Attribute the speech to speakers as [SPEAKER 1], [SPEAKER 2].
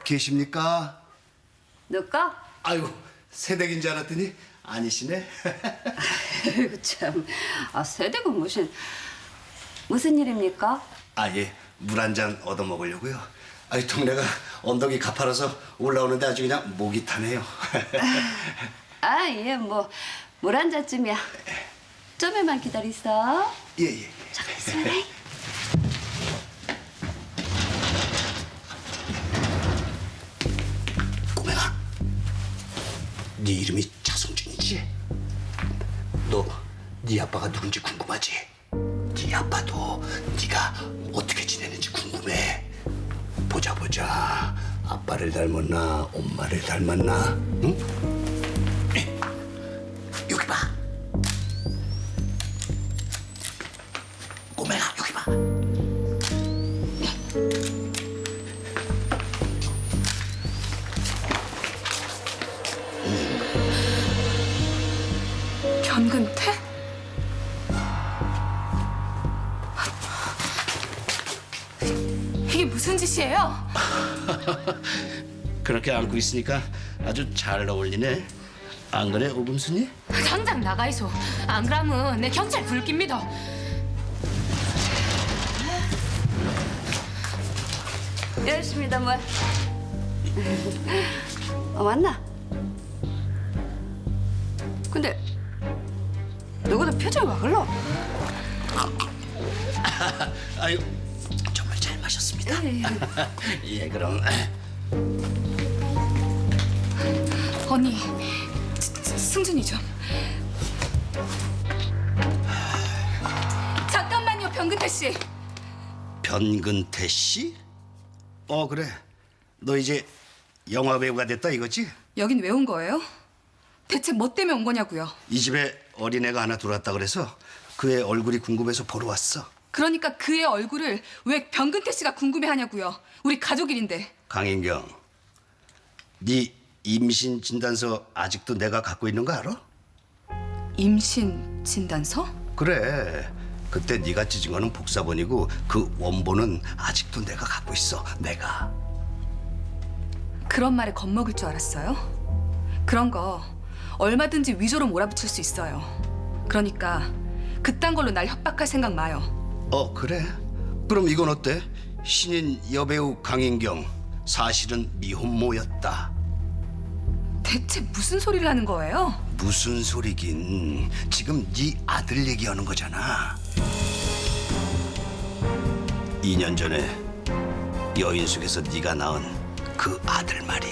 [SPEAKER 1] 계십니까?
[SPEAKER 2] 너까?
[SPEAKER 1] 아이고, 새댁인 줄 알았더니 아니시네.
[SPEAKER 2] 아이고 참. 새댁은 무슨 일입니까?
[SPEAKER 1] 아, 예. 물 한 잔 얻어 먹으려고요. 아이, 동네가 언덕이 가파라서 올라오는데 아주 그냥 목이 타네요.
[SPEAKER 2] 예, 물 한 잔쯤이야. 좀만 기다리소.
[SPEAKER 1] 예, 예.
[SPEAKER 2] 잠깐 있으면.
[SPEAKER 1] 꼬맹아, 네 이름이 차성준이지? 너 네 아빠가 누군지 궁금하지? 네 아빠도 네가 어떻게 지내는지 궁금해. 보자. 아빠를 닮았나 엄마를 닮았나? 응? 여기 봐. 꼬맹아, 여기 봐.
[SPEAKER 3] 변근태? 이게 무슨 짓이에요?
[SPEAKER 1] 그렇게 안고 있으니까 아주 잘 어울리네. 안 그래, 오금순이?
[SPEAKER 3] 당장 나가이소. 안 그러면 내 경찰 불깁니다.
[SPEAKER 2] 열심히다 뭐. 맞나? 근데 너희들 표정이 와 글러?
[SPEAKER 1] 아유, 정말 잘 마셨습니다. 예, 그럼.
[SPEAKER 3] 언니, 승준이 좀. 잠깐만요, 변근태 씨.
[SPEAKER 1] 변근태 씨? 그래. 너 이제 영화 배우가 됐다 이거지?
[SPEAKER 3] 여긴 왜 온 거예요? 대체 뭐 때문에 온 거냐고요?
[SPEAKER 1] 이 집에 어린애가 하나 들어왔다 그래서 그 애 얼굴이 궁금해서 보러 왔어.
[SPEAKER 3] 그러니까 그의 얼굴을 왜 변근태 씨가 궁금해하냐고요. 우리 가족 일인데.
[SPEAKER 1] 강인경, 네 임신 진단서 아직도 내가 갖고 있는 거 알아?
[SPEAKER 3] 임신 진단서?
[SPEAKER 1] 그래. 그때 네가 찢은 거는 복사본이고 그 원본은 아직도 내가 갖고 있어. 내가.
[SPEAKER 3] 그런 말에 겁먹을 줄 알았어요? 그런 거 얼마든지 위조로 몰아붙일 수 있어요. 그러니까 그딴 걸로 날 협박할 생각 마요.
[SPEAKER 1] 그래? 그럼 이건 어때? 신인 여배우 강인경, 사실은 미혼모였다.
[SPEAKER 3] 대체 무슨 소리를 하는 거예요?
[SPEAKER 1] 무슨 소리긴. 지금 네 아들 얘기하는 거잖아. 2년 전에 여인숙에서 네가 낳은 그 아들 말이야.